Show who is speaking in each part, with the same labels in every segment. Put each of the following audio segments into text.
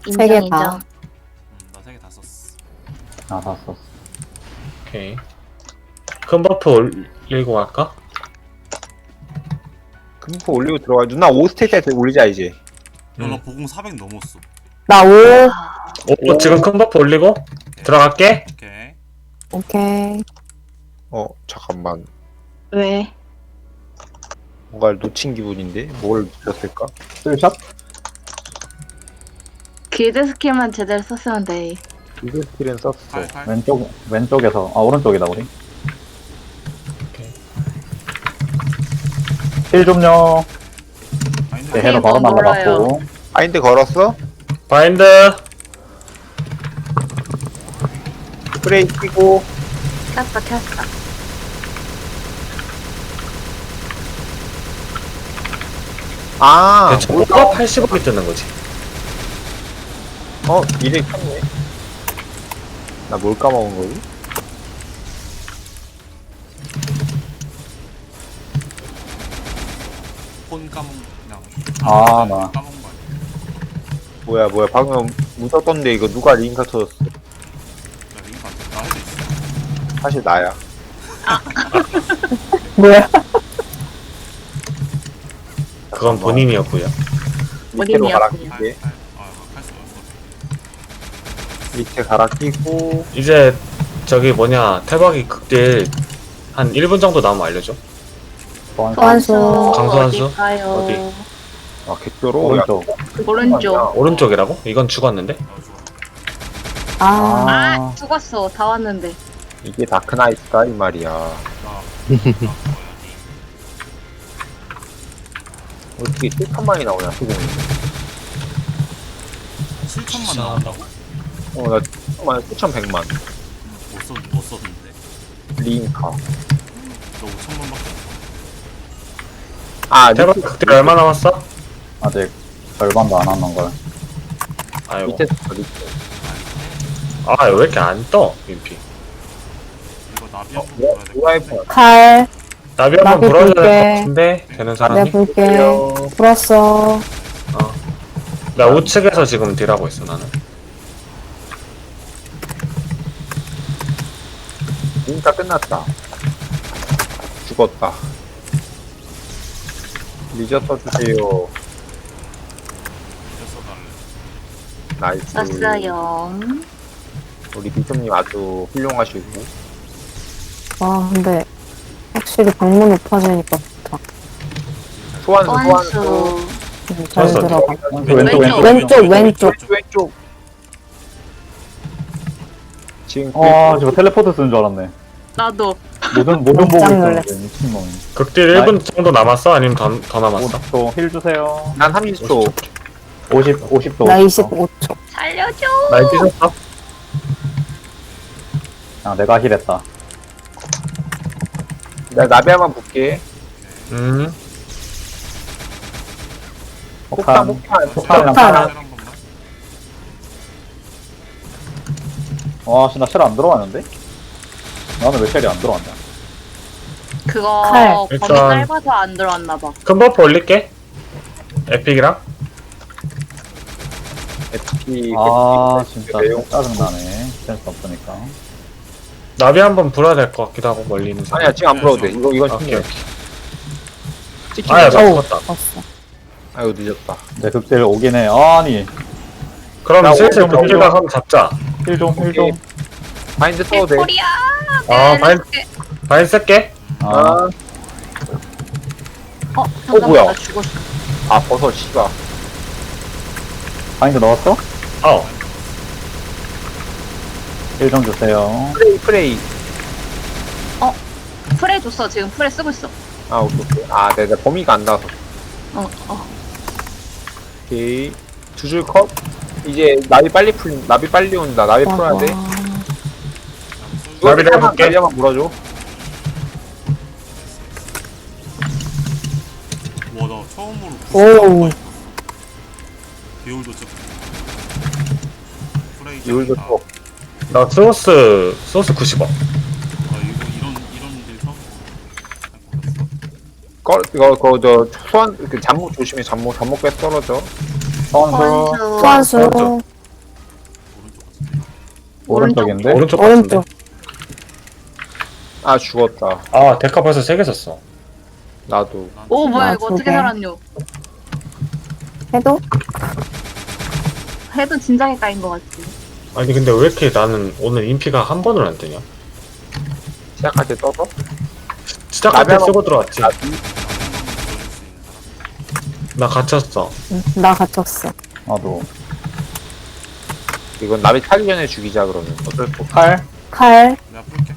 Speaker 1: 세 개
Speaker 2: 인정
Speaker 1: 다.
Speaker 2: 인정.
Speaker 3: 나 3개 다 썼어.
Speaker 4: 아, 다 썼어.
Speaker 5: 오케이. 큰 버프 올리고 갈까?
Speaker 6: 금포 올리고 들어가. 누나 5스테이지 올리자 이제.
Speaker 3: 나 보공 400 넘었어.
Speaker 1: 나 5.
Speaker 5: 오, 지금 큰 버프 올리고 들어갈게.
Speaker 3: 오케이.
Speaker 1: 오케이.
Speaker 6: 잠깐만.
Speaker 2: 왜?
Speaker 6: 뭔가를 놓친 기분인데 뭘 놓쳤을까?
Speaker 4: 쓸샷?
Speaker 2: 길드 스킬만 제대로 썼으면 돼.
Speaker 6: 이글 스킬은 썼어.
Speaker 3: 8.
Speaker 4: 왼쪽에서. 아, 오른쪽이다, 우리. 힐 좀요. 네, 해로 바로
Speaker 2: 너무
Speaker 4: 날라갔고.
Speaker 6: 바인드 걸었어?
Speaker 5: 바인드.
Speaker 6: 프레이 끼고.
Speaker 2: 켰어 켰어.
Speaker 5: 저거가 80억이 뜨는 거지.
Speaker 6: 이래 켰네. 나 뭘 까먹은 거지?
Speaker 3: 폰 까먹 그냥.
Speaker 4: 나.
Speaker 3: 까먹은 거 아니야?
Speaker 6: 뭐야 방금 묻었던데 이거 누가 링크 터졌어?
Speaker 3: 나 링크 안 돼. 나 해도 있어.
Speaker 6: 사실 나야.
Speaker 1: 뭐야?
Speaker 5: 그건 본인이었고요.
Speaker 6: 밑으로
Speaker 2: 본인이었군요.
Speaker 6: 갈아 끼게.
Speaker 3: 할수 없어.
Speaker 6: 밑에 갈아 끼고.
Speaker 5: 이제 저기 뭐냐 태박이 극딜 한 1분 정도 남으면 알려줘.
Speaker 1: 소환수.
Speaker 5: 강소환수?
Speaker 2: 어딜까요?
Speaker 5: 어디?
Speaker 6: 아 개뼈로.
Speaker 4: 오른쪽.
Speaker 2: 오른쪽.
Speaker 5: 오른쪽이라고? 이건 죽었는데?
Speaker 3: 좋아.
Speaker 1: 아.
Speaker 2: 아 죽었어. 다 왔는데.
Speaker 6: 이게 다크나이트다 이 말이야.
Speaker 3: 나
Speaker 6: 어떻게 7천만이 나오냐 수공이.
Speaker 3: 7천만 나온다고?
Speaker 6: 나 7천만 7,100만.
Speaker 3: 못 썼는데.
Speaker 6: 링카.
Speaker 3: 너 5천만밖에
Speaker 5: 태박 극딜 얼마 남았어?
Speaker 4: 아직 절반도 안 하는 걸.
Speaker 5: 아이고.
Speaker 6: 밑에 밑에.
Speaker 5: 아, 왜 이렇게 안 떠? 민피.
Speaker 3: 이거 나비 한번 불어야 될것
Speaker 6: 드라이브.
Speaker 3: 같은데.
Speaker 1: 칼.
Speaker 5: 나비 한번
Speaker 1: 나비
Speaker 5: 불어야 될 것
Speaker 1: 볼게.
Speaker 5: 같은데? 되는
Speaker 1: 내가
Speaker 5: 사람이?
Speaker 1: 볼게. 불었어.
Speaker 5: 나 우측에서 지금 딜하고 있어, 나는.
Speaker 6: 링카 끝났다. 죽었다. 리저터 주세요.
Speaker 3: 그래서 달래.
Speaker 6: 나이스.
Speaker 2: 썼어요.
Speaker 6: 우리 비숍님 아주 훌륭하시고.
Speaker 1: 와, 근데 확실히 방문 높아지니까 좋다.
Speaker 6: 소환수
Speaker 2: 소환수.
Speaker 1: 잘
Speaker 5: 소환수
Speaker 1: 들어가.
Speaker 2: 왼쪽.
Speaker 6: 왼쪽. 지금
Speaker 4: 저거 텔레포트 쓰는 줄 알았네.
Speaker 2: 나도.
Speaker 4: 모든 보고
Speaker 1: 깜짝
Speaker 4: 있었는데,
Speaker 1: 놀랐어.
Speaker 4: 미친놈이.
Speaker 5: 극딜 1분 정도 남았어? 아니면 더 남았어?
Speaker 4: 50초 힐 주세요.
Speaker 6: 난 30초.
Speaker 4: 50도.
Speaker 1: 나 25초.
Speaker 2: 살려줘.
Speaker 5: 나 뛰셨어?
Speaker 4: 아, 내가 힐했다.
Speaker 6: 나 나비 한번 볼게. 폭탄.
Speaker 4: 폭탄이랑
Speaker 1: 폭탄.
Speaker 3: 한 번만.
Speaker 4: 와, 씨, 나 쉘 안 들어왔는데? 나는 왜 쉘이 안 들어왔냐?
Speaker 2: 그거
Speaker 1: 칼.
Speaker 2: 범위
Speaker 5: 일단-
Speaker 2: 짧아서 안 들어왔나봐.
Speaker 5: 큰 버프 올릴게. 에픽이랑.
Speaker 6: FP.
Speaker 4: 진짜
Speaker 6: 내용.
Speaker 4: 짜증나네. 센스 없으니까.
Speaker 5: 나비 한번 불어야 될 것 같기도 하고, 멀리 있는 사람.
Speaker 6: 아니야 지금 안 풀어도 돼. 이건
Speaker 5: 오케이,
Speaker 6: 충분해.
Speaker 5: 오케이.
Speaker 6: 찍히는
Speaker 5: 아야,
Speaker 6: 거.
Speaker 5: 나 죽었다.
Speaker 1: 봤어.
Speaker 6: 아이고 늦었다.
Speaker 4: 내 극딜 오긴 해. 아니,
Speaker 5: 그럼
Speaker 6: 나
Speaker 5: 슬슬
Speaker 6: 오늘
Speaker 5: 극딜
Speaker 6: 먹어.
Speaker 5: 가서 잡자.
Speaker 4: 힐 좀, 힐 좀.
Speaker 6: 바인드 써도 돼.
Speaker 2: 코리아.
Speaker 5: 바인 쓸게.
Speaker 4: 아,
Speaker 2: 잠깐만
Speaker 6: 뭐야?
Speaker 2: 나 죽었어.
Speaker 6: 아 버섯 씨가.
Speaker 4: 바인드 넣었어?
Speaker 5: 어.
Speaker 4: 힐 좀 주세요.
Speaker 6: 프레이.
Speaker 2: 프레 줬어. 지금 프레 쓰고 있어.
Speaker 6: 아 오케이. 아 내가 범위가 안 나와서.
Speaker 2: 어.
Speaker 6: 오케이. 두 줄 컷. 이제 나비 빨리 온다. 나비 풀어야 돼.
Speaker 5: 나비를 해볼게.
Speaker 6: 나비 한번 물어줘.
Speaker 3: 와, 나 처음으로
Speaker 1: 오우.
Speaker 3: 비올도 찍고. 프레이
Speaker 6: 이울도
Speaker 3: 찍는다.
Speaker 6: 또.
Speaker 5: 나 소스 90원.
Speaker 3: 아, 이런 일 처음
Speaker 6: 이거 소환 그 잠목 조심해. 잠목 꽤 떨어져.
Speaker 4: 선수.
Speaker 1: 소환수.
Speaker 4: 오른쪽인데?
Speaker 5: 오른쪽 같은데.
Speaker 1: 오른쪽.
Speaker 6: 아 죽었다.
Speaker 5: 아 데카 벌써 3개 썼어.
Speaker 6: 나도.
Speaker 2: 오 뭐야
Speaker 1: 아,
Speaker 2: 이거 어떻게
Speaker 1: 저게.
Speaker 2: 살았뇨?
Speaker 1: 해도?
Speaker 2: 해도 진작에 까인 것 같지.
Speaker 5: 아니 근데 왜 이렇게 나는 오늘 인피가 한 번을 안 뜨냐?
Speaker 6: 시작할 때 떠서?
Speaker 5: 시작할 때
Speaker 6: 나비하고-
Speaker 5: 쓰고 들어왔지.
Speaker 6: 나비.
Speaker 3: 보여줄 수 있는 사람.
Speaker 5: 나 갇혔어.
Speaker 1: 응, 나 갇혔어.
Speaker 4: 나도.
Speaker 6: 이건 나비 타기 전에 죽이자 그러면. 어쩔 수 없어.
Speaker 4: 칼?
Speaker 1: 칼.
Speaker 3: 내가 풀게.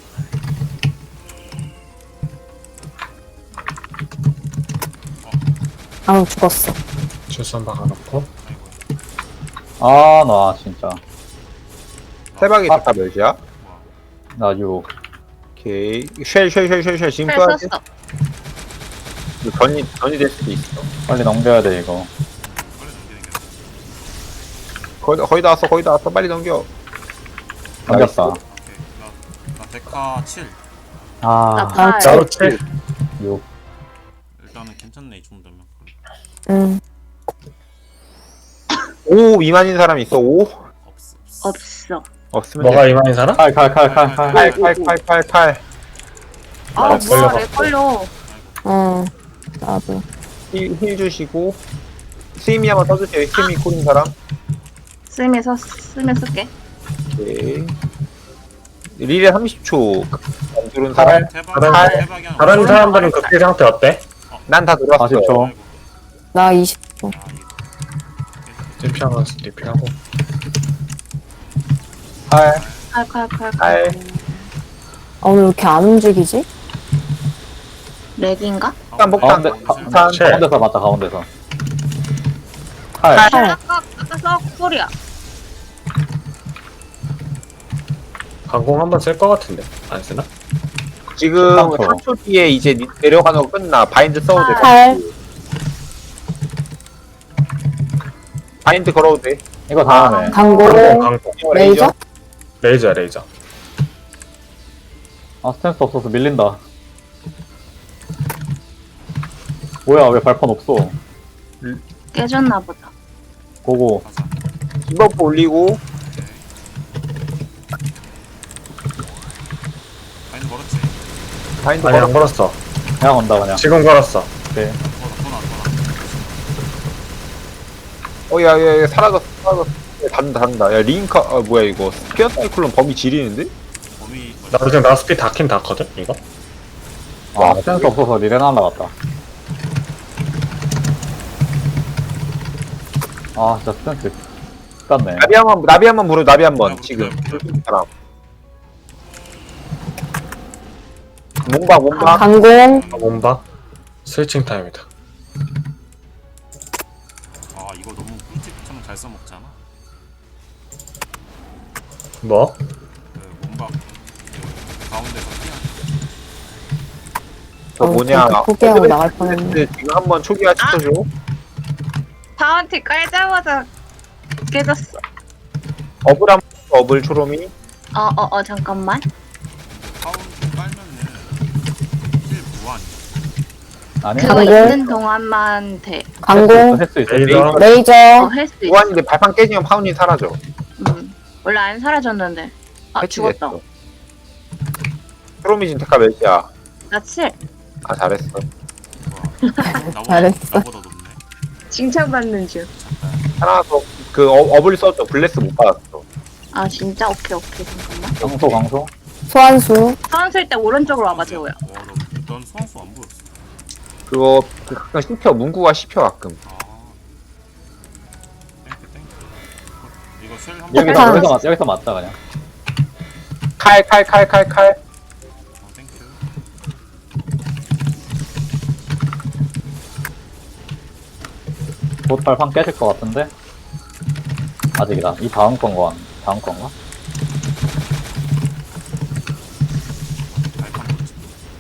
Speaker 1: 아우, 죽었어.
Speaker 5: 출산 박아놓고.
Speaker 3: 아이고.
Speaker 4: 아, 나 진짜.
Speaker 6: 세박이 데카 몇이야?
Speaker 4: 나 6.
Speaker 6: 오케이. 쉘 지금
Speaker 2: 펠
Speaker 6: 써야 돼?
Speaker 2: 썼어.
Speaker 6: 이거 전이 될 수도 있어.
Speaker 4: 빨리 넘겨야 돼, 이거.
Speaker 3: 빨리 넘기는 게
Speaker 6: 거의 다 왔어. 빨리 넘겨.
Speaker 4: 넘겼다.
Speaker 3: 오케이. 나 데카 7.
Speaker 4: 아,
Speaker 2: 나 팔.
Speaker 5: 나도 7.
Speaker 4: 6.
Speaker 3: 일단은 괜찮네 이 정도면.
Speaker 1: 응.
Speaker 6: 5 미만인 사람 있어? 5?
Speaker 3: 없어.
Speaker 2: 없어.
Speaker 6: 없으면
Speaker 5: 뭐가 이만인 사람?
Speaker 4: 칼.
Speaker 6: 칼.
Speaker 2: 아
Speaker 5: 나
Speaker 2: 뭐야
Speaker 5: 걸려갖고.
Speaker 2: 내 걸려.
Speaker 1: 어. 나도.
Speaker 6: 힐 주시고. 스이미 한번 써주세요. 스이미 콜인 사람.
Speaker 2: 쓰면 쓸게.
Speaker 6: 오케이. 릴에 30초. 안 들은 사람.
Speaker 3: 대박.
Speaker 5: 다른-
Speaker 3: 대박이 하나.
Speaker 5: 다른 사람들은 극대 상태 어때?
Speaker 6: 난 다 들어왔어.
Speaker 4: 40초.
Speaker 3: 아이고.
Speaker 1: 나 20초.
Speaker 3: 아 이거.
Speaker 5: 리피하고 리피하고.
Speaker 6: 칼.
Speaker 2: 칼.
Speaker 6: 칼.
Speaker 1: 아, 오늘 왜 이렇게 안 움직이지?
Speaker 2: 렉인가?
Speaker 6: 폭탄.
Speaker 4: 가운데서 맞다, 가운데서. 칼.
Speaker 6: 칼.
Speaker 1: 칼.
Speaker 2: 아까 써 소리야.
Speaker 5: 강공 한번 쓸 것 같은데 안 쓰나?
Speaker 6: 지금
Speaker 4: 13초.
Speaker 6: 3초 뒤에 이제 내려가는 거 끝나. 바인드 써도 돼.
Speaker 1: 칼.
Speaker 6: 바인드 걸어도 돼.
Speaker 4: 이거 다음에.
Speaker 1: 강공.
Speaker 5: 강공.
Speaker 1: 레이저?
Speaker 5: 레이저.
Speaker 4: 아, 스탠스 없어서 밀린다. 뭐야, 왜 발판 없어?
Speaker 2: 깨졌나 보다.
Speaker 4: 고고.
Speaker 3: 가자.
Speaker 6: 디버프 올리고.
Speaker 3: 아니 걸었지.
Speaker 6: 바인드
Speaker 5: 아니
Speaker 6: 걸어.
Speaker 5: 안 걸었어.
Speaker 4: 그냥 온다, 그냥.
Speaker 5: 지금 걸었어.
Speaker 4: 오케이.
Speaker 3: 돌아.
Speaker 6: 야, 사라졌어. 단다. 야, 링카, 뭐야, 이거. 스피어 사이클론 범위 지리는데?
Speaker 3: 범위.
Speaker 5: 나도 지금 나스피 다킨 닿거든 이거.
Speaker 4: 아, 스탠스 없어서 리레 날라갔다. 아, 진짜 스탠스. 깠네.
Speaker 6: 나비 한번 부르, 나비 한번. 지금. 사람. 몸박.
Speaker 1: 강공.
Speaker 5: 몸박. 스위칭 타임이다.
Speaker 3: 아 이거 너무 꿀팁처럼 잘 써먹잖아.
Speaker 5: 뭐?
Speaker 3: 그 몸박 그 가운데서 피하는.
Speaker 6: 저 뭐냐.
Speaker 1: 진짜 포기하고 나갈 뻔했네.
Speaker 6: 지금 한번 초기화 시켜줘.
Speaker 2: 다운티 깔자마자 깨졌어.
Speaker 6: 어블 초롬이.
Speaker 2: 잠깐만.
Speaker 3: 파운드 깔면은 힐 무한.
Speaker 4: 아니?
Speaker 2: 그거
Speaker 1: 강공.
Speaker 2: 있는 동안만 돼.
Speaker 1: 강공.
Speaker 4: 할수 있어.
Speaker 5: 레이저.
Speaker 1: 레이저.
Speaker 2: 할 수 있어.
Speaker 6: 무한인데 발판 깨지면 파운이 사라져.
Speaker 2: 원래 안 사라졌는데. 아
Speaker 6: 해치됐어.
Speaker 2: 죽었다.
Speaker 6: 초롬이 진테카 몇이야?
Speaker 2: 나 7.
Speaker 6: 아, 잘했어.
Speaker 1: 잘했어.
Speaker 3: 나보다 높네.
Speaker 2: 칭찬받는 중.
Speaker 6: 하나 더, 어블 써줘. 블레스 못 받았어.
Speaker 2: 아 진짜? 오케이 잠깐만.
Speaker 4: 강소.
Speaker 1: 소환수.
Speaker 2: 사원 쓸 때 오른쪽으로 와봐 재호야.
Speaker 3: 넌 소환수 안 보였어.
Speaker 6: 그거, 가끔 씹혀. 문구가 씹혀, 가끔.
Speaker 3: 아. 땡큐. 이거 쉘 한번.
Speaker 4: 여기서 맞자, 그냥.
Speaker 6: 칼.
Speaker 3: 땡큐.
Speaker 4: 곧 발판 깨질 것 같은데? 아직이다. 이 다음 건가?
Speaker 3: 발판 뭐지?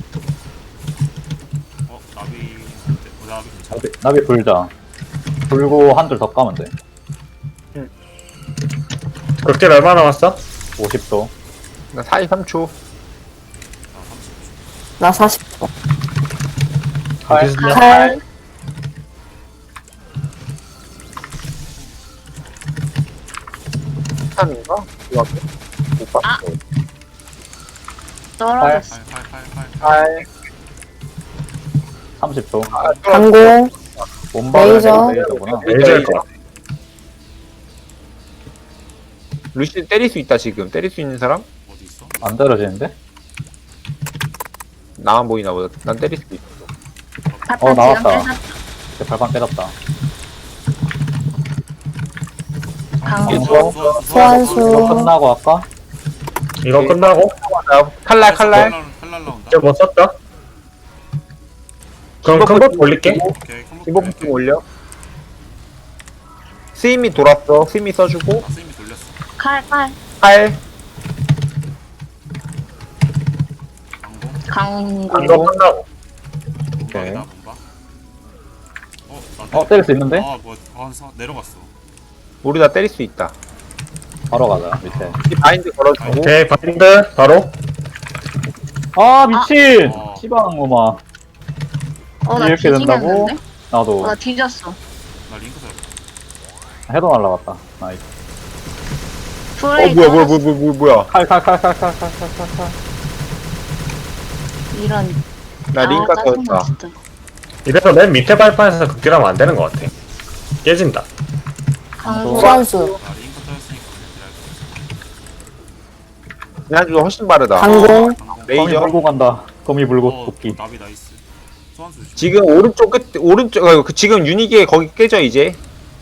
Speaker 3: 나비 어때? 나비 괜찮아.
Speaker 4: 나비 불자. 불고 한 줄 더 까면 돼.
Speaker 5: 극딜 얼마 남았어?
Speaker 4: 50도.
Speaker 6: 나 43초.
Speaker 3: 나 30초.
Speaker 1: 나 40초.
Speaker 4: 칼.
Speaker 5: 비슷해.
Speaker 1: 칼.
Speaker 6: 폭탄인가? 이거 못 봤어.
Speaker 2: 떨어졌어.
Speaker 3: 팔.
Speaker 4: 30초.
Speaker 6: 아,
Speaker 1: 강공,
Speaker 4: 몸박을
Speaker 1: 레이저.
Speaker 4: 레이저구나.
Speaker 5: 레이저일 것 같아.
Speaker 6: 루시 때릴 수 있다 지금. 때릴 수 있는 사람?
Speaker 3: 어디 있어?
Speaker 4: 안 떨어지는데?
Speaker 6: 나만 보이나 보다. 난 때릴 수도 있어.
Speaker 2: 발판
Speaker 4: 나왔다.
Speaker 2: 지금
Speaker 4: 제 발판 깨졌다.
Speaker 2: 강공.
Speaker 1: 소환수.
Speaker 4: 이거 끝나고 할까?
Speaker 5: 이거 끝나고
Speaker 6: 칼날.
Speaker 3: 칼날 나온다.
Speaker 5: 이제 뭐 썼다? 그럼 큰법 올릴게.
Speaker 3: 오케이.
Speaker 6: 기본 좀 올려. 스임이 돌았어. 스임이 써주고.
Speaker 3: 스님이 돌렸어.
Speaker 2: 칼.
Speaker 6: 칼.
Speaker 3: 강공.
Speaker 2: 강공.
Speaker 5: 이거 끝나고
Speaker 4: 오케이.
Speaker 3: 몸박이다 몸박. 나
Speaker 4: 때릴 수 있는데?
Speaker 3: 뭐 내려갔어.
Speaker 6: 우리 다 때릴 수 있다.
Speaker 4: 바로 가자, 밑에.
Speaker 6: 이 바인드 걸어주고.
Speaker 5: 오케이 바인드 바로
Speaker 4: 아, 미친!
Speaker 3: 아.
Speaker 4: 씨방우마.
Speaker 2: 나
Speaker 4: 이렇게 된다고?
Speaker 2: 뒤지겠는데?
Speaker 4: 나도
Speaker 2: 나 뒤졌어.
Speaker 3: 나 링크 잘.
Speaker 4: 해도 날라갔다. 나이스.
Speaker 2: 프레이
Speaker 6: 뭐야.
Speaker 4: 칼.
Speaker 2: 이런.
Speaker 6: 나 링크
Speaker 2: 짜증나,
Speaker 6: 터졌다.
Speaker 2: 진짜.
Speaker 5: 이래서 맨 밑에 발판에서 극딜하면 안 되는 것 같아. 깨진다.
Speaker 2: 강공.
Speaker 1: 소환수,
Speaker 3: 나 링크 터졌으니까 그냥
Speaker 6: 지난주가 훨씬 빠르다.
Speaker 1: 강공,
Speaker 3: 기다려.
Speaker 4: 거미
Speaker 6: 레이저.
Speaker 4: 불고 간다. 거미 불고 도끼.
Speaker 3: 나비 나이스. 소환수 조심.
Speaker 6: 지금 오른쪽 끝, 지금 유니기에 거기 깨져, 이제.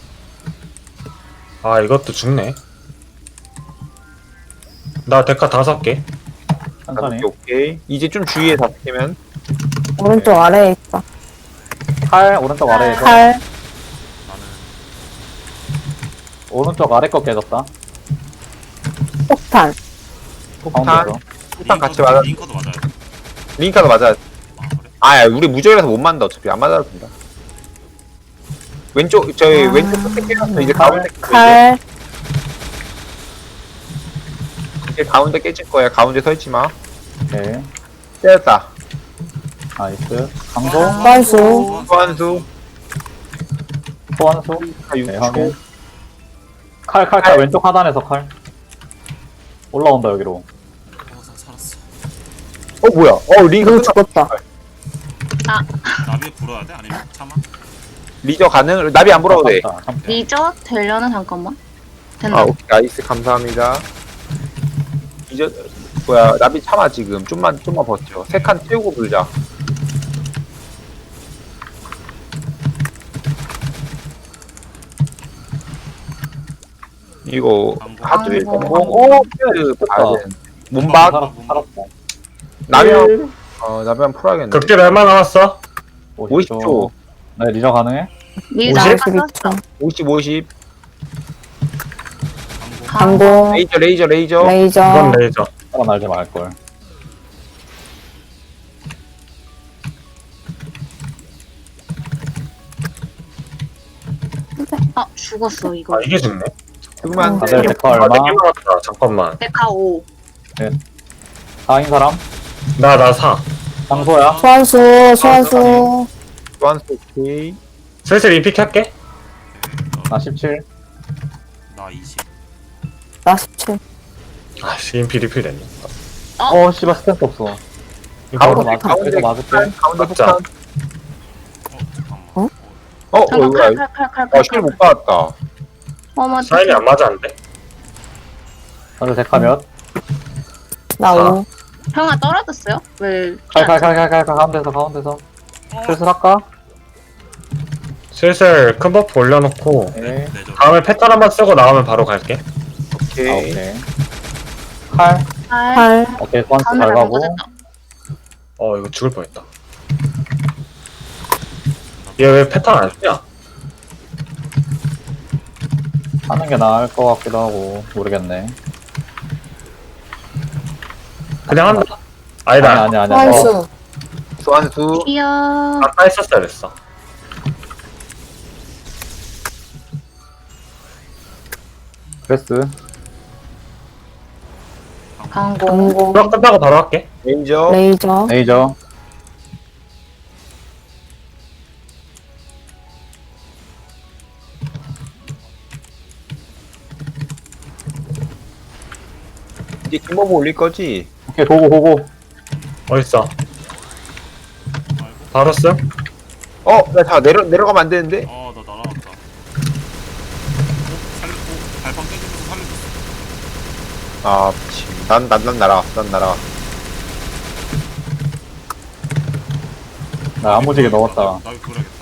Speaker 5: 아 이것도 죽네. 나 데카 5개.
Speaker 4: 천천히.
Speaker 6: 오케이. 이제 좀 주위에 다 깨면.
Speaker 1: 오른쪽 아래에 있다.
Speaker 4: 칼, 오른쪽 아래에서.
Speaker 1: 칼,
Speaker 3: 나는
Speaker 4: 오른쪽 아래 거 깨졌다.
Speaker 1: 폭탄,
Speaker 4: 가운데서.
Speaker 6: 폭탄 같이 맞아.
Speaker 3: 링커도 맞아야 돼.
Speaker 6: 링카도 맞아.
Speaker 3: 아 그래?
Speaker 6: 아, 우리 무적이라서 못 맞는다, 어차피. 안 맞아도 된다. 왼쪽, 저희
Speaker 1: 아.
Speaker 6: 왼쪽 끝에 깨졌어. 이제 가운데 깨져.
Speaker 1: 칼,
Speaker 6: 이제 가운데 깨질 거야. 가운데 서 있지 마.
Speaker 4: 오케이.
Speaker 6: 깨졌다.
Speaker 4: 나이스. 강소,
Speaker 1: 소환수,
Speaker 6: 소환수.
Speaker 4: 소환수.
Speaker 6: 아,
Speaker 4: 네,
Speaker 6: 6초.
Speaker 4: 확인. 칼. 왼쪽 하단에서 칼. 올라온다, 여기로.
Speaker 3: 살았어.
Speaker 6: 뭐야. 링크
Speaker 1: 누구
Speaker 6: 끝나.
Speaker 1: 죽었다.
Speaker 3: 나비 불어야 돼? 아니면 참아?
Speaker 6: 리저 가능? 나비 안 불어도 돼.
Speaker 4: 참다.
Speaker 2: 리저 되려나 잠깐만. 된다.
Speaker 6: 아, 오케이. 나이스. 감사합니다. 리저, 나비 참아, 지금. 좀만 버텨. 3칸 채우고 불자. 이거, 하드윌
Speaker 2: 강공.
Speaker 6: 공공, 그, 몸박,
Speaker 4: 살았어.
Speaker 6: 나면, 나면 풀어야겠네.
Speaker 5: 극딜 얼마 남았어?
Speaker 6: 50초.
Speaker 4: 네, 리저 가능해?
Speaker 2: 리저
Speaker 5: 50?
Speaker 2: 아까 썼어.
Speaker 6: 50, 50.
Speaker 3: 강공.
Speaker 1: 강공,
Speaker 6: 레이저.
Speaker 5: 이건
Speaker 1: 레이저,
Speaker 5: 레이저.
Speaker 4: 살아날지 말걸.
Speaker 2: 죽었어 이거.
Speaker 5: 아 이게 죽네.
Speaker 6: 죽으면 안 돼.
Speaker 4: 다들 데카
Speaker 5: 아
Speaker 4: 얼마?
Speaker 5: 4개 남았다. 잠깐만.
Speaker 2: 데카 5.
Speaker 4: 4인 사람?
Speaker 5: 나 4.
Speaker 4: 장소야?
Speaker 1: 소환수,
Speaker 6: 완스 오케이.
Speaker 5: 슬슬 인픽 할게.
Speaker 4: 나 17.
Speaker 3: 나 20.
Speaker 1: 나 17.
Speaker 5: 아씨 인피 리필 됐네.
Speaker 4: 씨발, 스탠스 없어.
Speaker 5: 이거
Speaker 6: 가운데,
Speaker 5: 바로
Speaker 6: 가운데,
Speaker 4: 이거 맞을게.
Speaker 6: 가운데
Speaker 5: 맞자.
Speaker 6: 폭탄.
Speaker 1: 어?
Speaker 2: 잠깐
Speaker 6: 뭐야.
Speaker 2: 칼.
Speaker 6: 힐못 받았다.
Speaker 2: 어머.
Speaker 5: 사인이 안 맞았는데?
Speaker 4: 다들 데카 몇?
Speaker 1: 나 5.
Speaker 2: 형아 떨어졌어요? 왜?
Speaker 4: 칼, 가운데서. 슬슬 할까?
Speaker 5: 슬슬 큰 버프 올려놓고
Speaker 4: 네.
Speaker 3: 내줘.
Speaker 5: 다음에 패턴 한번 쓰고 나오면 바로 갈게.
Speaker 6: 오케이.
Speaker 4: 오케이. 칼.
Speaker 1: 칼,
Speaker 4: 오케이, 소환수
Speaker 2: 가운데
Speaker 4: 잘 가고.
Speaker 2: 잘못했다.
Speaker 5: 이거 죽을 뻔했다. 얘 왜 패턴 안 쓰냐?
Speaker 4: 하는 게 나을 것 같기도 하고. 모르겠네.
Speaker 5: 그냥 한다. 아니다.
Speaker 4: 아니야.
Speaker 1: 소환수,
Speaker 6: 소환수.
Speaker 2: 이야.
Speaker 5: 아까 했었어야 됐어.
Speaker 4: 그레스.
Speaker 2: 강공.
Speaker 1: 강공,
Speaker 5: 그럼 끝나고 바로 할게.
Speaker 6: 레인저.
Speaker 1: 레이저,
Speaker 4: 레이저.
Speaker 6: 이제 김버브 올릴 거지?
Speaker 4: 오케이, 고고.
Speaker 5: 어딨어? 바로 씀?
Speaker 6: 나 내려가면 안 되는데?
Speaker 3: 나 날아갔다. 살렸고 발판 깨지면서 살려줬어.
Speaker 6: 아, 미친. 난 날아가.
Speaker 4: 나 야무지게 넣었다.
Speaker 3: 나 이거 그래야겠다.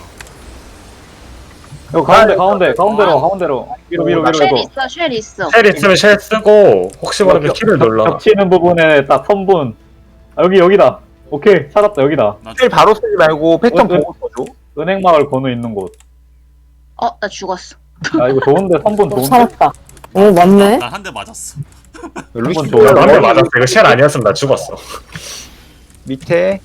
Speaker 4: 이거 가운데로. 위로.
Speaker 2: 쉘 있어.
Speaker 5: 쉘 있으면 쉘 쓰고 혹시 모르면 키를 눌러.
Speaker 4: 겹치는 부분에 딱 선분. 아, 여기다. 오케이, 찾았다, 여기다.
Speaker 3: 나
Speaker 6: 실 바로 쓰지 말고 패턴
Speaker 4: 네.
Speaker 6: 보고 써줘.
Speaker 4: 은행마을 건우 있는 곳.
Speaker 2: 나 죽었어.
Speaker 4: 아, 이거 좋은데, 선분 좋은데?
Speaker 1: 살았다. 오, 맞네.
Speaker 3: 난 한 대 맞았어.
Speaker 6: 루시
Speaker 4: 한번 줘요.
Speaker 5: 한대 맞았어. 이거 쉘 아니었으면 나 죽었어.
Speaker 6: 밑에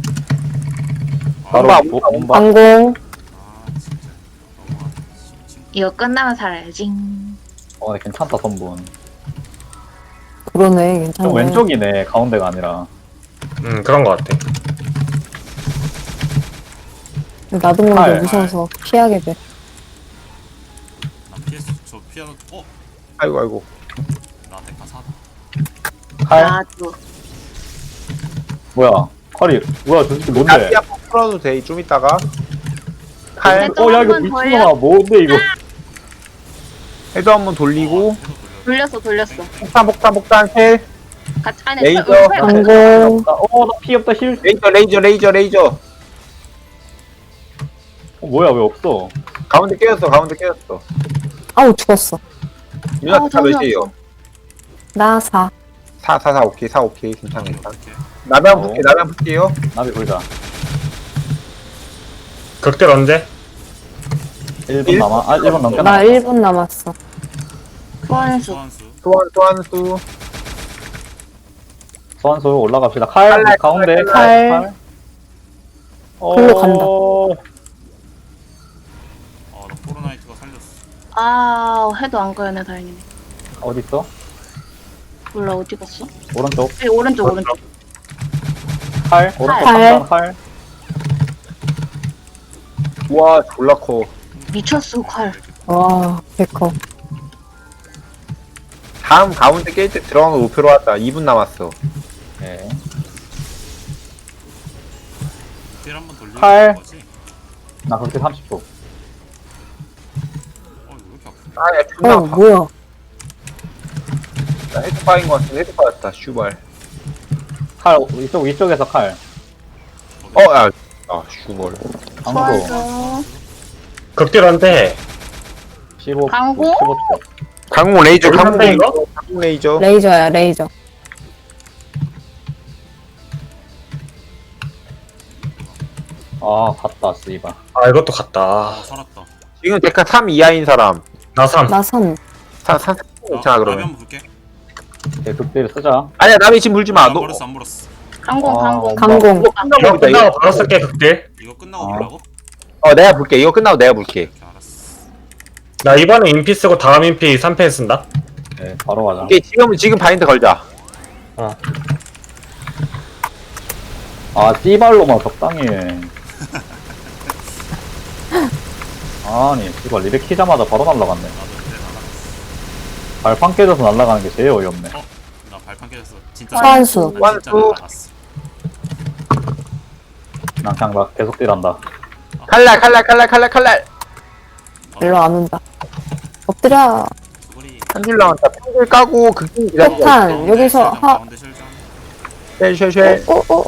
Speaker 4: 바로
Speaker 6: 몸바.
Speaker 1: 방공.
Speaker 3: 진짜 너무하다.
Speaker 2: 이거 끝나면 살아야지.
Speaker 4: 괜찮다, 선분.
Speaker 1: 그러네, 괜찮네.
Speaker 4: 좀 왼쪽이네, 가운데가 아니라.
Speaker 5: 그런 거 같아.
Speaker 1: 나도 모르게
Speaker 4: 팔.
Speaker 1: 무서워서 피하게 돼.
Speaker 3: 나 피했어. 저 피하는.
Speaker 6: 아이고.
Speaker 3: 나 데카 사다.
Speaker 4: 칼?
Speaker 2: 나도.
Speaker 4: 뭐야? 칼이, 저 새끼 뭔데?
Speaker 6: 나비 한번 풀어도 돼. 좀 이따가. 칼.
Speaker 2: 네.
Speaker 4: 야, 이거
Speaker 2: 한번
Speaker 4: 미친놈아, 뭔데, 이거?
Speaker 6: 해도 한번 돌리고.
Speaker 2: 돌렸어.
Speaker 6: 폭탄 헬.
Speaker 2: 같이 안에
Speaker 6: 레이저.
Speaker 1: 방공.
Speaker 4: 나 피 없다, 힐.
Speaker 6: 레이저.
Speaker 4: 뭐야, 왜 없어?
Speaker 6: 가운데 깨졌어.
Speaker 1: 아우, 죽었어.
Speaker 6: 누나 다
Speaker 2: 정신
Speaker 6: 몇이에요?
Speaker 2: 없어.
Speaker 1: 나 4.
Speaker 6: 4 오케이. 괜찮아.
Speaker 3: 이렇게.
Speaker 6: 나비 한번 볼게요.
Speaker 4: 나비 보자.
Speaker 5: 극딜 언제?
Speaker 4: 1분 남아. 1분 넘게
Speaker 1: 나
Speaker 4: 남아.
Speaker 1: 1분 남았어.
Speaker 2: 소환수.
Speaker 3: 소환수.
Speaker 4: 소환수 올라갑시다. 칼,
Speaker 6: 칼날,
Speaker 4: 가운데,
Speaker 1: 칼. 글로 간다.
Speaker 3: 나 포르나이트가 살렸어.
Speaker 2: 해도 안 가야네, 다행이네.
Speaker 4: 어딨어?
Speaker 2: 몰라, 어디 갔어?
Speaker 4: 오른쪽.
Speaker 2: 여기 오른쪽.
Speaker 4: 칼. 오른쪽
Speaker 1: 칼.
Speaker 4: 간단 칼.
Speaker 6: 와, 졸라 커.
Speaker 2: 미쳤어, 칼.
Speaker 1: 와, 백커.
Speaker 6: 다음 가운데 깰 때 들어간 거 목표로 왔다. 2분 남았어.
Speaker 4: 네.
Speaker 3: 딜 한번 돌리는
Speaker 4: 칼.
Speaker 3: 거지.
Speaker 4: 나 그렇게 30초.
Speaker 3: 이거 왜 이렇게 아프냐?
Speaker 6: 야, 존나 아파.
Speaker 1: 뭐야.
Speaker 6: 나 헤드 빠인 거 같은데 헤드 빠졌다. 슈발.
Speaker 4: 칼, 이쪽에서 칼.
Speaker 6: 야. 슈발.
Speaker 4: 강도.
Speaker 2: 소환수.
Speaker 5: 극딜 언제?
Speaker 4: 15.
Speaker 2: 강공?
Speaker 4: 15초.
Speaker 6: 강공 레이저.
Speaker 5: 얼마인데, 이거?
Speaker 6: 강공 레이저.
Speaker 1: 레이저야, 레이저.
Speaker 4: 아, 갔다, 씨발.
Speaker 5: 이것도 갔다.
Speaker 3: 살았다.
Speaker 6: 지금 데카 3 이하인 사람.
Speaker 5: 나 3.
Speaker 1: 나 3.
Speaker 6: 3 괜찮아
Speaker 3: 나비
Speaker 6: 그러면.
Speaker 3: 한번 볼게.
Speaker 4: 네, 극대를 쓰자.
Speaker 6: 아니야 나비 지금 물지 마.
Speaker 3: 안
Speaker 6: 너
Speaker 3: 물었어, 안 물었어.
Speaker 2: 강공.
Speaker 1: 강공.
Speaker 6: 이거 끝나고
Speaker 5: 이거
Speaker 6: 보자.
Speaker 5: 끝나고 바로 쓸게 극딜.
Speaker 3: 이거 끝나고 보라고?
Speaker 6: 내가 볼게. 이거 끝나고 내가 볼게.
Speaker 3: 오케이, 알았어.
Speaker 5: 나 이번에 인피 쓰고 다음 인피 3패 쓴다.
Speaker 4: 네, 바로 가자.
Speaker 6: 오케이 지금 바인드 걸자.
Speaker 4: 아, 씨발로만 적당히 해. 아니, 씨발, 리렉 키자마자 바로 날라갔네.
Speaker 3: 나도 이제 날아갔어.
Speaker 4: 발판 깨져서 날라가는 게 제일 어이없네.
Speaker 3: 나 발판 깨졌어. 진짜.
Speaker 1: 소환수.
Speaker 3: 나 진짜
Speaker 6: 소환수.
Speaker 3: 날아갔어.
Speaker 4: 난 그냥 막 계속 딜한다.
Speaker 6: 칼날.
Speaker 1: 일로 안 온다. 엎드려.
Speaker 3: 수고리.
Speaker 6: 한줄 나왔다. 평줄 까고 극딜 기다리자.
Speaker 1: 폭탄. 여기서 하.
Speaker 3: 가운데 실장.
Speaker 6: 쉘.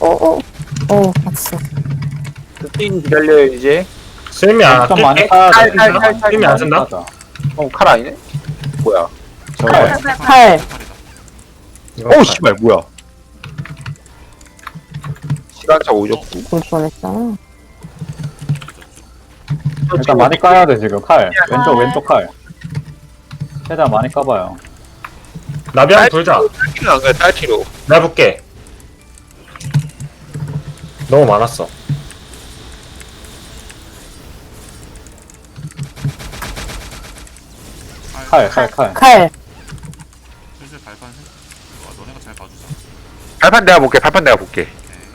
Speaker 1: 봤어.
Speaker 6: 극딜 기다려요 이제.
Speaker 5: 스미 안
Speaker 4: 좀 많이
Speaker 5: 낄게.
Speaker 4: 까야 돼.
Speaker 6: 칼.
Speaker 5: 스미 안 쓴다.
Speaker 6: 칼 아니네? 뭐야?
Speaker 4: 칼.
Speaker 1: 칼.
Speaker 3: 칼이다.
Speaker 6: 오 씨발 뭐야? 시간차 오졌고.
Speaker 1: 볼 뻔했잖아.
Speaker 4: 일단 많이 까야 돼, 지금. 칼. 왼쪽 칼. 최대한 많이 까봐요.
Speaker 5: 나비 한번 돌자.
Speaker 6: 딸티로 안 가요 딸티로.
Speaker 5: 내가 볼게. 너무 많았어.
Speaker 4: 칼.
Speaker 1: 칼.
Speaker 3: 슬슬 발판 해. 너네가 잘 봐주자.
Speaker 6: 발판 내가 볼게.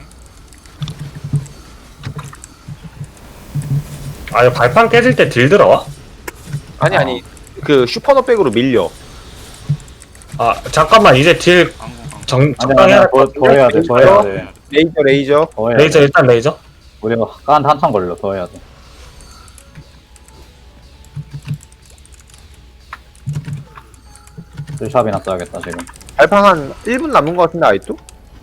Speaker 5: 이거 발판 깨질 때 딜 들어와?
Speaker 6: 아니 그 슈퍼노백으로 밀려.
Speaker 5: 잠깐만 이제 딜
Speaker 3: 강공.
Speaker 5: 적당히 해야
Speaker 4: 더, 더 해야 돼, 더 해야 돼.
Speaker 6: 레이저.
Speaker 4: 더 해야
Speaker 5: 레이저
Speaker 4: 돼.
Speaker 5: 일단 레이저.
Speaker 4: 우리가 깐 한참 걸려, 더 해야 돼. 샵이나 써야겠다, 지금.
Speaker 6: 발판 한 1분 남은 것 같은데 아직도?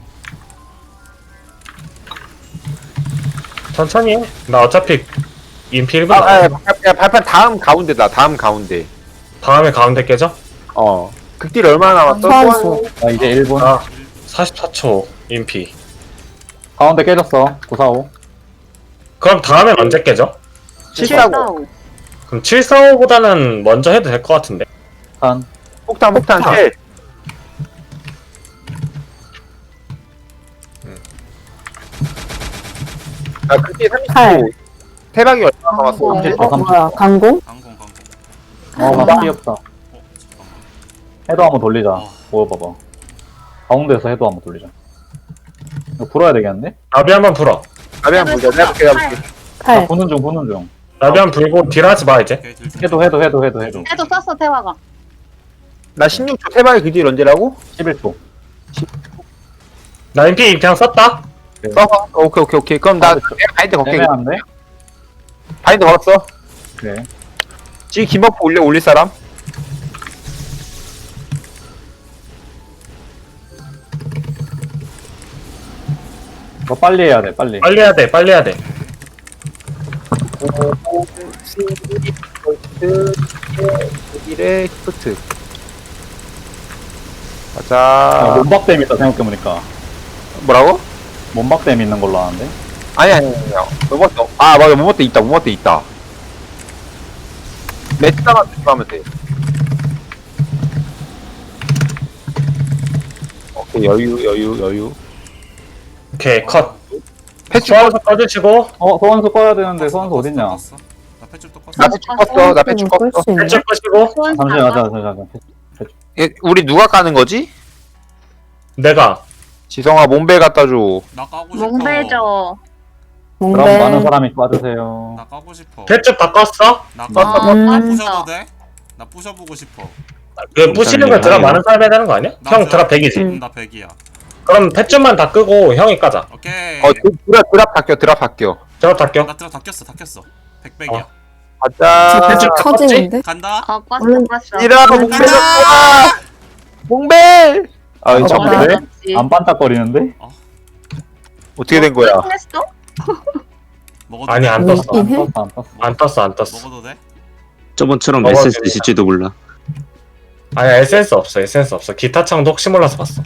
Speaker 5: 천천히 해. 나 어차피 인피 1분
Speaker 6: 발판 다음 가운데다. 다음 가운데.
Speaker 5: 다음에 가운데 깨져?
Speaker 6: 극딜 얼마나 남았어?
Speaker 1: 소환수.
Speaker 4: 나 이제 1분.
Speaker 5: 아 44초 인피.
Speaker 4: 가운데 깨졌어. 945.
Speaker 5: 그럼 다음엔 언제 깨져?
Speaker 6: 745.
Speaker 5: 그럼 745보다는 먼저 해도 될 것 같은데.
Speaker 4: 한.
Speaker 6: 폭탄 쉘. 나 극딜
Speaker 1: 8.
Speaker 6: 30초. 태박이 얼마 남았어?
Speaker 2: 어.
Speaker 4: 30초,
Speaker 1: 어,
Speaker 4: 30초.
Speaker 1: 뭐야, 강공?
Speaker 3: 강공.
Speaker 4: 나 귀엽다.
Speaker 3: 잠깐만.
Speaker 4: 해도 한번 돌리자.
Speaker 3: 어.
Speaker 4: 모여봐봐. 가운데에서 해도 한번 돌리자. 이거 불어야 되겠는데?
Speaker 5: 나비 한번 불어.
Speaker 6: 나비 한번 보자. 내가 볼게.
Speaker 1: 8.
Speaker 4: 보는 중, 보는 중.
Speaker 5: 나비 한번 불고 딜하지 마 이제.
Speaker 3: 오케이, 딜 좀.
Speaker 4: 해도.
Speaker 2: 해도 썼어 태화가.
Speaker 6: 나 16초 태박이 극딜 언제라고?
Speaker 4: 11초.
Speaker 5: 나 인피 그냥 썼다.
Speaker 6: 써봐. 오케이. 그럼 나
Speaker 4: 그쵸.
Speaker 6: 바인드 걸게.
Speaker 4: 애매한데?
Speaker 6: 바인드 걸었어.
Speaker 4: 그래.
Speaker 6: 지금 김버프 올릴 사람?
Speaker 4: 이거 빨리 해야 돼, 빨리.
Speaker 5: 빨리 해야 돼. 빨리 해야 돼.
Speaker 6: 독일의 히프트.
Speaker 4: 아,
Speaker 6: 가자.
Speaker 4: 몸박댐 있다, 생각해보니까.
Speaker 6: 뭐라고?
Speaker 4: 몸박댐 있는 걸로 아는데?
Speaker 6: 아니. 모모트. 아, 맞아. 모모트 있다. 매트다만 조심하면 돼. 오케이, 여유.
Speaker 5: 오케이 컷.
Speaker 6: 패치
Speaker 5: 소환수 꺼주시고
Speaker 4: 소환수 꺼야 되는데, 소환수 어딨냐?
Speaker 3: 껐어. 나 패줄 또 껐어.
Speaker 6: 나 패치 껐어. 나 패치
Speaker 1: 끌
Speaker 6: 껐어.
Speaker 1: 수 있나?
Speaker 5: 헬줄 끄시고
Speaker 4: 잠시만.
Speaker 6: 우리 누가 까는 거지?
Speaker 5: 내가
Speaker 6: 지성아, 몸벨 갖다 줘.
Speaker 3: 나 까고 싶어.
Speaker 2: 몽배죠.
Speaker 4: 그럼
Speaker 1: 몽벨.
Speaker 4: 많은 사람이 빠지세요.
Speaker 3: 나 까고 싶어.
Speaker 5: 헬줄 다 껐어?
Speaker 3: 나
Speaker 2: 아,
Speaker 3: 부셔도 돼? 나 부셔보고 싶어.
Speaker 5: 그 부시는 거 드랍 많은 사람이 해야 되는 거 아니야? 형 드랍 100이지.
Speaker 3: 나 100이야.
Speaker 5: 그럼 펫줄만 다 끄고 형이 까자.
Speaker 3: 오케이.
Speaker 6: 드랍 바뀌어.
Speaker 5: 드랍 다 껴.
Speaker 3: 나 들어 다 꼈어. 100백이야.
Speaker 6: 가자.
Speaker 5: 펫줄 다 껐지?
Speaker 1: 터지는데?
Speaker 3: 간다.
Speaker 2: 껐어.
Speaker 6: 이라, 몸벨 갖고 몸벨! 아, 이거 참,
Speaker 4: 네?
Speaker 2: 맞았지.
Speaker 4: 안 반짝거리는데?
Speaker 6: 어떻게 된 거야?
Speaker 2: 했어?
Speaker 3: 먹어도
Speaker 5: 아니
Speaker 3: 돼?
Speaker 5: 안 떴어.
Speaker 1: 있긴 해?
Speaker 4: 안 떴어.
Speaker 5: 안 떴어.
Speaker 3: 먹어도 돼?
Speaker 7: 저번처럼
Speaker 5: 먹어도
Speaker 7: SS
Speaker 5: 되겠다.
Speaker 7: 있을지도 몰라.
Speaker 5: 아니야 에센스 없어. 기타 창도 혹시 몰라서 봤어.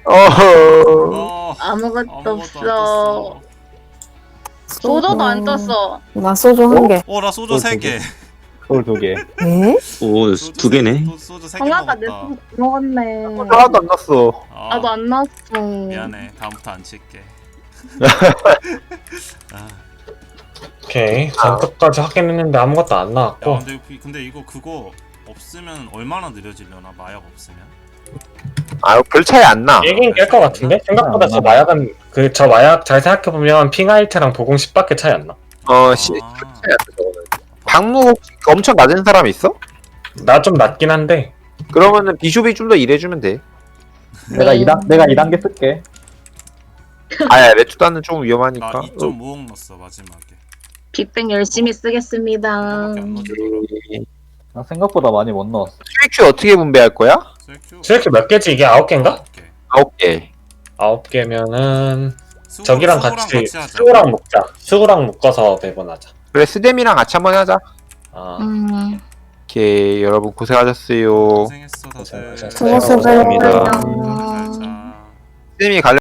Speaker 3: 어.
Speaker 2: 아무것도
Speaker 3: 아무것도 안
Speaker 2: 없어.
Speaker 3: 떴어.
Speaker 2: 소저도 안 떴어.
Speaker 1: 나 소주 한 개.
Speaker 3: 나 소주 3개.
Speaker 4: 서울 2개.
Speaker 1: 에?
Speaker 7: 오, 두 개네.
Speaker 3: 소주 3개
Speaker 2: 성아가 내
Speaker 3: 먹었다.
Speaker 2: 소주 먹었네.
Speaker 6: 하나도 안 났어.
Speaker 3: 아,
Speaker 2: 나도 안 났어.
Speaker 3: 미안해. 다음부터 안 칠게. 아,
Speaker 5: 오케이 전투까지 하긴 했는데 아무것도 안
Speaker 3: 야,
Speaker 5: 나왔고.
Speaker 3: 근데 이거 그거 없으면 얼마나 느려지려나? 마약 없으면?
Speaker 6: 아, 별 차이 안 나.
Speaker 5: 얘긴 깰 것 같은데? 생각보다 저 마약은 저 마약 잘 생각해보면 핑하이트랑 보공 10밖에 차이 안 나.
Speaker 3: 아,
Speaker 6: 차이 안 나, 저거는. 방무 혹시 엄청 낮은 사람 있어?
Speaker 5: 나 좀 낮긴 한데
Speaker 6: 그러면은 비숍이 좀 더 일해주면 돼.
Speaker 4: 내가 2단계 쓸게.
Speaker 6: 아야, 레투다는 좀
Speaker 3: 나
Speaker 6: 위험하니까.
Speaker 3: 2.5억 넣었어 마지막에.
Speaker 2: 빅뱅 열심히 쓰겠습니다.
Speaker 3: 그거밖에 안 넣어주더라고.
Speaker 4: 나 생각보다 많이 못 넣었어.
Speaker 6: QQ 어떻게 분배할 거야?
Speaker 3: 셀큐.
Speaker 5: 이렇게 몇 개지 이게 9개인가?
Speaker 3: 오케이.
Speaker 6: 9개.
Speaker 5: 9개면은
Speaker 3: 수고-
Speaker 5: 저기랑
Speaker 3: 수고랑
Speaker 5: 같이
Speaker 3: 하자.
Speaker 5: 수구랑 묶자. 수구랑 묶어서 배분하자.
Speaker 6: 그래, 스뎀이랑 같이 한번 하자.
Speaker 5: 아
Speaker 6: 오케이, 여러분 고생하셨어요.
Speaker 3: 고생했어 다들.
Speaker 5: 고생하셨어요.
Speaker 1: 수고하셨어요.
Speaker 7: 고맙습니다.
Speaker 3: 잘 자.
Speaker 6: 스뎀이 갈